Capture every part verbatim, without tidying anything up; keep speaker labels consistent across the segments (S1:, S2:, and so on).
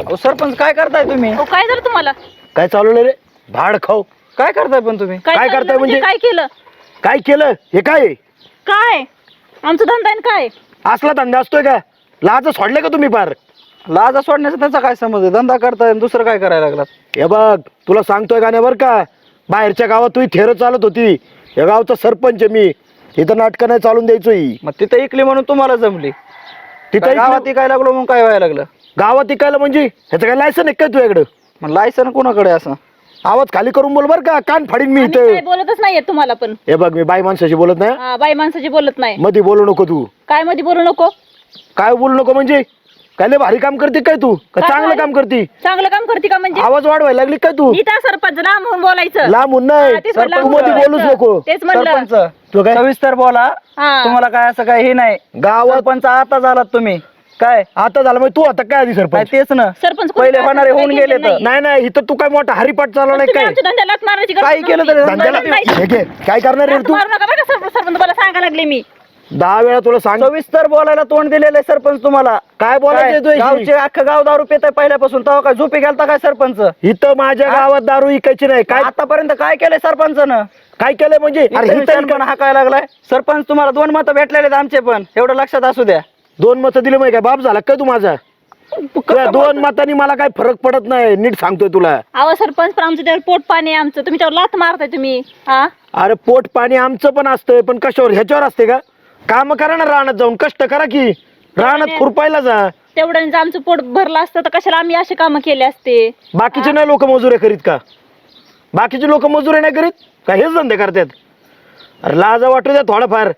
S1: अहो सरपंच काय करताय तुम्ही?
S2: हो काय झालं तुम्हाला?
S3: काय चालवलं रे? भाड खाऊ.
S1: काय करताय पण तुम्ही?
S3: काय
S2: चाललं
S3: करताय म्हणजे?
S2: काय केलं?
S3: काय केलं हे? काय आहे?
S2: काय आमचं धंदा आहे काय?
S3: असला धंदा असतोय का? लाज सोडले का तुम्ही पार?
S1: लाजा सोडण्याचा त्यांचा काय समज आहे? धंदा करताय आणि दुसरं काय करायला लागलात?
S3: हे बघ तुला सांगतोय का नाही बरं का, बाहेरच्या गावात तू थेर चालत होती, या गावचा सरपंच आहे मी, इथं नाटकं नाही चालून द्यायचो ही.
S1: मग तिथे इकली म्हणून तुम्हाला जमली,
S3: तिथं
S1: काय गावात
S3: इकडं-
S1: इकायला लागलो मग काय व्हायला लागलं?
S3: गावात इकायला म्हणजे ह्याचं काय लायसन आहे काय तुझ्याकडं?
S1: मग लायसन कोणाकडे असं?
S3: आवाज खाली करून बोल बर का, कान फाडीन मी
S2: आम्ही
S3: इथं.
S2: काय बोलतच नाहीये तुम्हाला पण.
S3: हे बघ मी बाई माणसाशी बोलत नाही,
S2: हा, बाई माणसाची बोलत नाही.
S3: मध्ये बोलू नको तू.
S2: काय मध्ये बोलू नको?
S3: काय बोलू नको म्हणजे? काय लय भारी काम करते काय तू? का
S2: काय
S3: चांगलं
S2: भारी?
S3: काम करते?
S2: चांगलं काम करते का म्हणजे?
S3: आवाज वाढवायला लागली काय तू?
S2: मी त्या सरपंच लांब होऊन बोलायचं.
S3: लांबून नाही,
S2: हा, तेच म्हणलं,
S3: तू
S2: लांब
S3: मध्ये
S2: बोलायचं.
S3: बोलूच नको.
S2: तेच म्हणलं.
S1: सरपंच
S3: तू काय
S1: सविस्तर बोला.
S2: हा.
S1: तुम्हाला काय असं काय हे नाही,
S3: गावात
S1: सरपंच आता झालात तुम्ही काय?
S3: आता झालं म्हणजे तू आता काय आधी
S1: काय
S3: सरपंच?
S1: तेच ना,
S2: सरपंच कोण
S1: पहिले
S2: काय
S1: होणारे
S2: असं
S1: होऊन
S2: काही
S1: गेले
S2: केलं
S1: तर.
S2: नाही.
S3: नाही नाही, इथं तू काय मोठा हरिपाठ चालवलाय
S2: तुम्ही
S3: काय?
S2: आमच्या धंद्याला लाथ मारायची गरज
S1: काही केलं
S2: नव्हती.
S1: तरी
S3: धंद्याला
S2: नाही.
S3: हे घे, काय करणार रे
S2: लाथ
S3: तू?
S2: मारू नका बरं का सर- सरपंच मला सांगायला लागले मी.
S3: दहा वेळा तुला सांग,
S1: सविस्तर बोलायला तोंड दिलेलं आहे सरपंच तुम्हाला.
S3: काय बोलायचं
S1: काय?
S3: तुझ्याशी?
S1: गावचे अख्खं गाव दारू पिताय पहिल्यापासून, तेव्हा काय झोपी गेलता काय सरपंच?
S3: इथं माझ्या गावात दारू इकायची नाही. काय
S1: आतापर्यंत काय केलंय सरपंचनं?
S3: काय केलंय म्हणजे? अरे
S1: इथं
S3: इथं
S1: पण हाकायला लागलाय. सरपंच तुम्हाला दोन मतं भेटलेले आहेत आमचे पण, एवढं लक्षात असू द्या.
S3: दोन मतं दिले माहिती काय? बाप झाला काय तू माझा? तुझ्या दोन मतांनी मला काय फरक पडत नाही, नीट सांगतोय तुला.
S2: अहो सरपंच पण आमचं त्यावर पोट पाणी आहे आमचं, तुम्ही त्यावर लाथ मारताय तुम्ही. हा,
S3: अरे पोट पाणी आमचं पण असतंय, पण कशावर? ह्याच्यावर असते का? काम करा ना, रानात जाऊन कष्ट करा की, रानात खुरपायला जा.
S2: तेवढ्याने जर आमचं पोट भरलं असतं तर कशाला आम्ही असे कामं केले असते?
S3: बाकीचे नाही लोक मजुऱ्या करीत का? बाकीचे लोक मजुऱ्या नाही करीत का? हेच धंदे करतात. अरे लाजा वाटू द्या थोडाफार.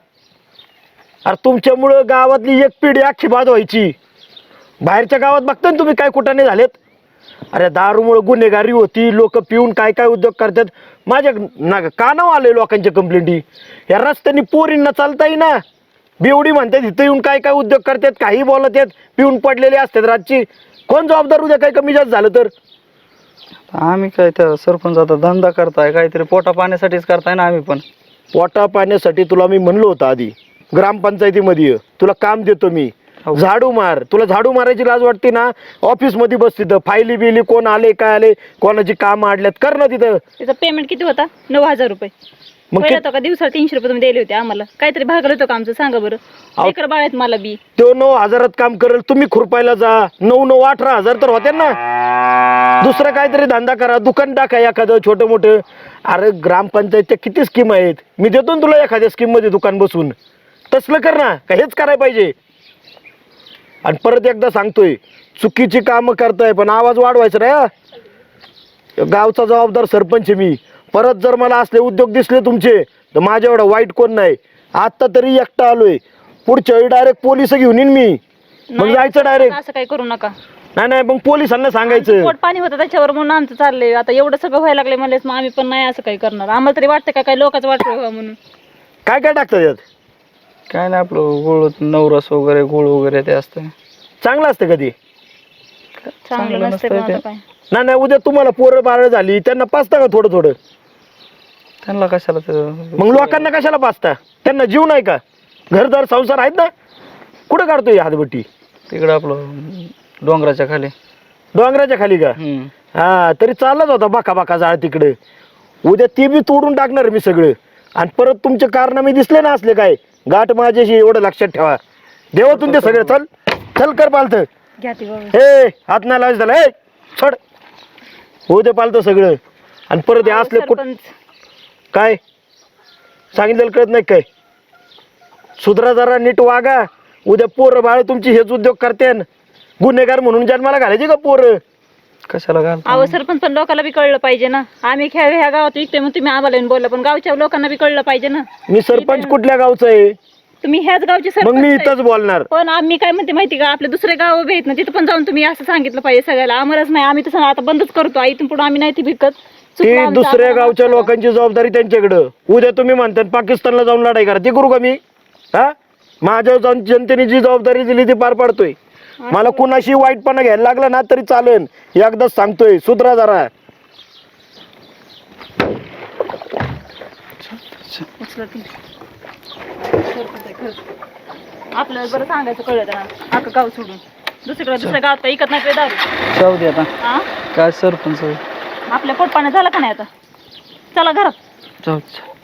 S3: अरे तुमच्यामुळं गावातली एक पिढी अख्खी बाद व्हायची. बाहेरच्या गावात बघता ना तुम्ही काय कुठाने झालेत. अरे दारूमुळे गुन्हेगारी होती, लोक पिऊन काय काय उद्योग करतात. माझ्या ना कानावर आले लोकांच्या कंप्लेंटी, या रस्त्याने पोरींना चालता येईना, बेवडी म्हणतात, इथं येऊन काय काय उद्योग करतात, काही बोलत आहेत, पिऊन पडलेले असतात रातची. कोण जबाबदार? उद्या काय कमी जास्त झालं तर?
S1: आम्ही काय त्या सरपंच आता धंदा करताय, काहीतरी पोटा पाण्यासाठीच करताय ना आम्ही पण.
S3: पोटा पाण्यासाठी तुला मी म्हणलो होतं आधी, ग्रामपंचायतीमध्ये ये, तुला काम देतो मी, झाडू मार. तुला झाडू मारायची लाज वाटते ना? ऑफिस मध्ये बस, तिथं फायली बिली कोण आले काय आले, कोणाची काम आडल्यात, कर ना तिथं.
S2: त्याचा पेमेंट किती होता? नऊ हजार रुपये.
S3: मग
S2: पहिला
S3: कि-
S2: तो का दिवसाला तीनशे रुपये तुम्ही दिले होते आम्हाला, काहीतरी भागलं होतं का आमचं? सांगा बरं. लेकर बाळ आहेत मला बी.
S3: तो नऊ हजारात काम करेल, तुम्ही खुरपायला जा. नऊ नऊ अठरा हजार तर होते ना. दुसरं काहीतरी धंदा करा, दुकान टाका एखादं छोटं मोठं. अरे ग्रामपंचायतच्या किती स्कीम आहेत, मी देतो ना तुला एखाद्या स्कीम मध्ये दुकान बसून. तसलं कर ना, का हेच करायला पाहिजे? आणि परत एकदा सांगतोय, चुकीची कामं करताय पण आवाज वाढवायचा नाही हा. गावचा जबाबदार सरपंच आहे मी. परत जर मला असले उद्योग दिसले तुमचे तर माझ्या एवढा वाईट कोण नाही. आता तरी एकटा आलोय, पुढच्या वेळी डायरेक्ट पोलिस घेऊन येईन मी. मग
S2: नाही,
S3: जायचं डायरेक्ट.
S2: असं काही करू नका.
S3: नाही नाही, मग पोलिसांना
S2: आमचं
S3: सांगायचं.
S2: पोट पाणी होतं त्याच्यावर म्हणून आमचं चाललंय. आता एवढं सगळं व्हायला लागलंय म्हणलेच मग आम्ही पण नाही असं काही करणार. आम्हाला तरी वाटतं का काही लोकांचं वाटतं व्हावं म्हणून.
S3: काय काय टाकतात यात?
S1: काय नाही आपलं गुळ, नवरस वगैरे, गुळ वगैरे ते असतं.
S3: चांगलं असतं कधी?
S2: चांगलं नसतं
S1: नसतंय
S2: पण आता
S1: ते.
S2: काय.
S3: नाही नाही, उद्या तुम्हाला पोरं बाळ झाली त्यांना पाचता का थोडं थोडं?
S1: त्यांना कशाला ते?
S3: मग लोकांना कशाला पाचता? त्यांना जीव नाही का? घरदार संसार आहेत ना. कुठं काढतोय हातबट्टी?
S1: तिकडं आपलं डोंगराच्या खाली.
S3: डोंगराच्या खाली का?
S1: हम्म.
S3: हा, तरी चाललाच होता बाका बाका जाळ तिकडे. उद्या ते बी तोडून टाकणार मी सगळं. आणि परत तुमचे कारनामे दिसले ना असले काय, गाठ माझ्याशी, एवढं लक्षात ठेवा. देवातून ते सगळं. चल चल, कर पालत.
S2: घ्या ती बाबा.
S3: हे हात नाही लावायचं त्याला. हे छड, होऊ दे पालत सगळं. आणि परत हे
S2: अहो,
S3: असले कुठ
S2: सरपंच,
S3: काय सांगितलेलं कळत नाही काय? सुधरा जरा, नीट वागा. उद्या पोरं बाळ तुमची हेच उद्योग करते, गुन्हेगार म्हणून जन्माला घालायचे का पोरं?
S1: कशाला घाल?
S2: अहो सरपंच पण लोकांना बी कळलं पाहिजे ना. आम्ही ह्या ह्या गावात विकतोय मग तुम्ही आम्हाला येऊन बोलला, पण गावच्या लोकांना बी कळलं पाहिजे ना.
S3: मी सरपंच कुठल्या गावचा आहे?
S2: तुम्ही ह्याच गावचे
S3: मग मी
S2: सरपंच आहे.
S3: इथंच बोलणार.
S2: पण आम्ही काय म्हणते माहिती का, आपले दुसरे गाव उभे आहेत ना, तिथं पण जाऊन तुम्ही असं सांगितलं पाहिजे सगळ्याला. आम्हालाच नाही, आम्ही तसं आता बंदच करतो. इथून पुढे आम्ही नाही ती विकत. चुकलं
S3: ती
S2: आमचं,
S3: दुसऱ्या
S2: आम्हाला
S3: गावच्या
S2: माफ करा.
S3: लोकांची जबाबदारी त्यांच्याकडं. उद्या तुम्ही म्हणता पाकिस्तानला जाऊन लढाई करा, ती करू का मी? हा, माझ्या जाऊन जनतेने जी जबाबदारी दिली ती पार पाडतोय. मला कुणाशी वाईटपणा घ्यायला लागला ना तरी चालेल. एकदाच सांगतोय, सुधरा जरा.
S2: उचला ती. सरपंच आहे खरंच. आपल्याला बरं सांगायचं कळलं ना, अख्खं गाव सोडून. दुसरीकडे दुसऱ्या गावात काय इकत नाही पे दारू.
S1: जाऊ दे आता.
S2: हा
S1: काय सरपंच
S2: आपल्या पोटपाण्यात झालं का नाही आता. चला घरात.
S1: जाऊ दे.